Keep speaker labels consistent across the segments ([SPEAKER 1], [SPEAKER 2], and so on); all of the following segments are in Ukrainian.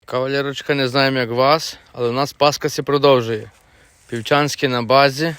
[SPEAKER 1] Кавалерочка, не знаємо як вас, але у нас Пасха се продовжує. Півчанський на базі,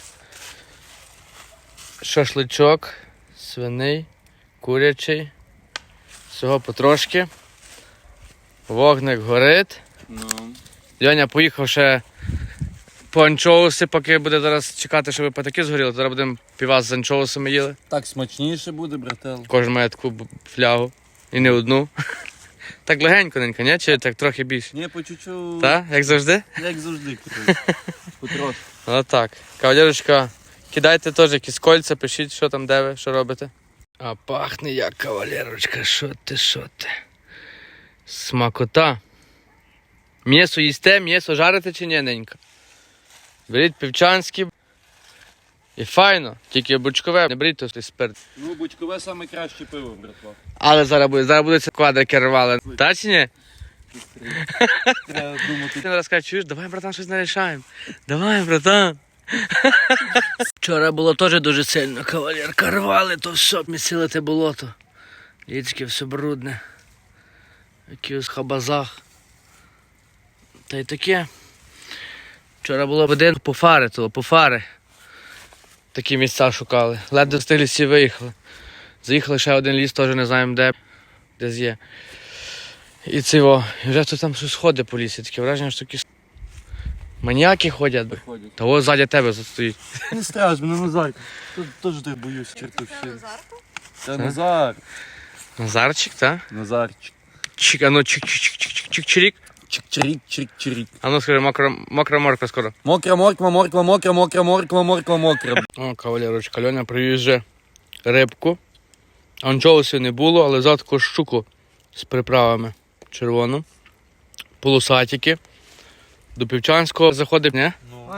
[SPEAKER 1] шашличок, свиний, курячий, всього потрошки. Вогник горить. Льоня поїхав ще по анчоуси, поки буде зараз чекати, щоб патаки згоріли. Зараз будемо півас з анчоусами їли.
[SPEAKER 2] Так смачніше буде, брател.
[SPEAKER 1] Кожен має таку флягу. І не одну. Так легенько, ні? Чи так трохи більше?
[SPEAKER 2] Ні, по чуть-чуть.
[SPEAKER 1] Так? Як завжди?
[SPEAKER 2] Як завжди, потрошки.
[SPEAKER 1] Отак. Кавалерочка, кидайте теж якісь кольця, пишіть, що там, де ви, що робите. А пахне як, кавалерочка, що ти. Смакота. М'ясо їсте, м'ясо жарите чи ні, ненька? Беріть півчанські. І файно, тільки бочкове, не беріть той спирт.
[SPEAKER 2] Ну, бочкове саме краще пиво, братва.
[SPEAKER 1] Але зараз буде це квадрики рвали. Та чи ні?
[SPEAKER 2] Треба думати.
[SPEAKER 1] Ти раз кажеш, чуєш, давай, братан, щось нарішаємо. Давай, братан. Вчора було теж дуже сильно, кавалерка, рвали, то все, місили те болото. Річки, все брудне. Якийсь хабазах. Та й таке. Вчора було один по фари. Такі місця шукали. Ледве встигли всі виїхали. Заїхали ще один ліс, теж не знаємо де. Десь є. І цього. І вже хтось там щось ходить по лісі. Таке враження, що такі маніяки ходять. Та ось ззаді тебе стоїть.
[SPEAKER 2] Не страж, мене Назар. Теж так боюсь, чертовщини. Це Назар.
[SPEAKER 1] Назарчик, так?
[SPEAKER 2] Назарчик.
[SPEAKER 1] Чик, а ну чик-чик-чик-чик-чирік.
[SPEAKER 2] Чик-чирік, чирік-чирік.
[SPEAKER 1] А ну скажи, мокра морква скоро.
[SPEAKER 2] Мокра морква, морква, мокра, мокра, морква, морква, мокра.
[SPEAKER 1] О, кавалерочка, Льоня привіз вже рибку. Анчоусів не було, але взяв таку щуку з приправами червону. Полосатики. До Півчанського заходив, не?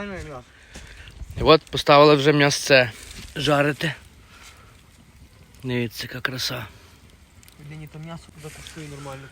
[SPEAKER 1] І от поставили вже м'ясце жарити. Дивіться, яка краса.
[SPEAKER 3] Блін, то м'ясо туди коштує нормально.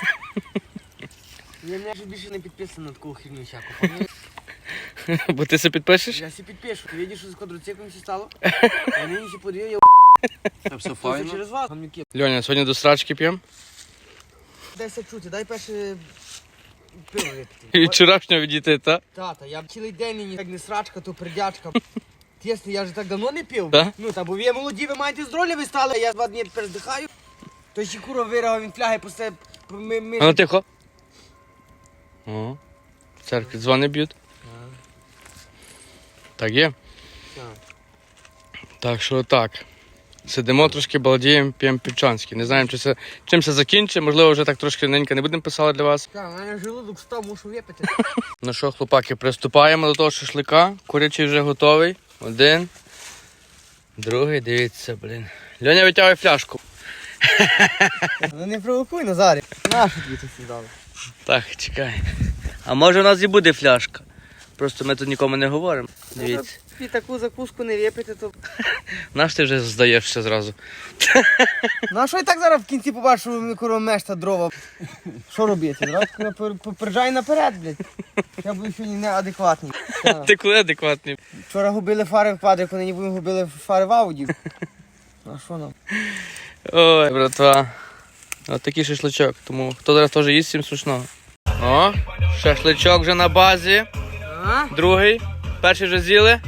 [SPEAKER 3] Я вже більше не підписаний на таку херню всяку.
[SPEAKER 1] Бо ти се підпишеш?
[SPEAKER 3] Я себе підпишу. Ти бачиш, що з квадроциклом все стало? Я нині ще подивив, я
[SPEAKER 2] Це все
[SPEAKER 3] це
[SPEAKER 2] файно.
[SPEAKER 3] через вас. Гамнюки.
[SPEAKER 1] Льоня, сьогодні до страчки п'ємо.
[SPEAKER 3] Дайся чути, дай перше пиво випити.
[SPEAKER 1] І вчорашнього відійти, так?
[SPEAKER 3] Тата, я б цілий день нині, як не срачка, то придячка. Тісно, я вже так давно не пив.
[SPEAKER 1] Да?
[SPEAKER 3] Ну, та бо ви молоді, ви маєте здоров'я, ви стали, а я 2 дні тепер здихаю. То ще курва вирагав, він фляги просто...
[SPEAKER 1] А ну тихо. О, в церкві дзвони б'ють. Так є?
[SPEAKER 3] Так.
[SPEAKER 1] Так що так. Сидимо трошки, балдіємо, п'ємо півчанський. Не знаємо, чим це закінчить. Можливо, вже так трошки ненька не будемо писати для вас.
[SPEAKER 3] Так, у мене желудок став, мушу випити.
[SPEAKER 1] Ну що, хлопаки, приступаємо до того шашлика. Курячий вже готовий. Один. Другий, дивіться, блін. Льоня витягує фляжку.
[SPEAKER 3] Ну не провокуй, Назарі. Нащо тобі це сідали?
[SPEAKER 1] Так, чекай. А може у нас і буде фляжка. Просто ми тут нікому не говоримо. Дивіться.
[SPEAKER 3] І таку закуску не випити, то...
[SPEAKER 1] Наш ти вже здаєшся зразу.
[SPEAKER 3] Ну а що і так зараз в кінці побачу, що ми курва мешта дрова. Що робити? Зразу попереджай наперед, блядь. Я буду сьогодні неадекватний.
[SPEAKER 1] Ти коли адекватний?
[SPEAKER 3] Вчора губили фари в квадрику, нині будемо губили фари в ауді. А що нам?
[SPEAKER 1] Ой, братва. Ось такий шашличок. Тому хто зараз теж їсть, всім смачного. О, шашличок вже на базі.
[SPEAKER 3] А?
[SPEAKER 1] Другий. Перший вже з'їли.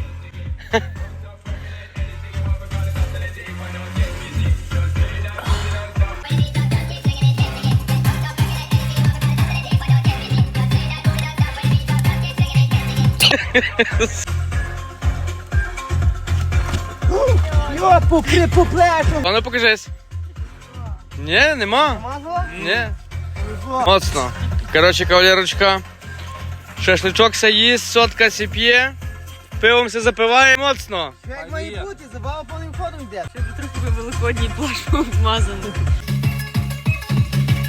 [SPEAKER 3] Йо, по плечу!
[SPEAKER 1] А ну покажись. Ні, нема.
[SPEAKER 3] Мазала?
[SPEAKER 1] Ні. Моцно. Коротше, кавалерочка. Шашличок се їсть, сотка се п'є. Пивом се запиває моцно.
[SPEAKER 3] Як має бути, забава повним ходом йде.
[SPEAKER 4] Щоб трохи великодній плащ вмазаний.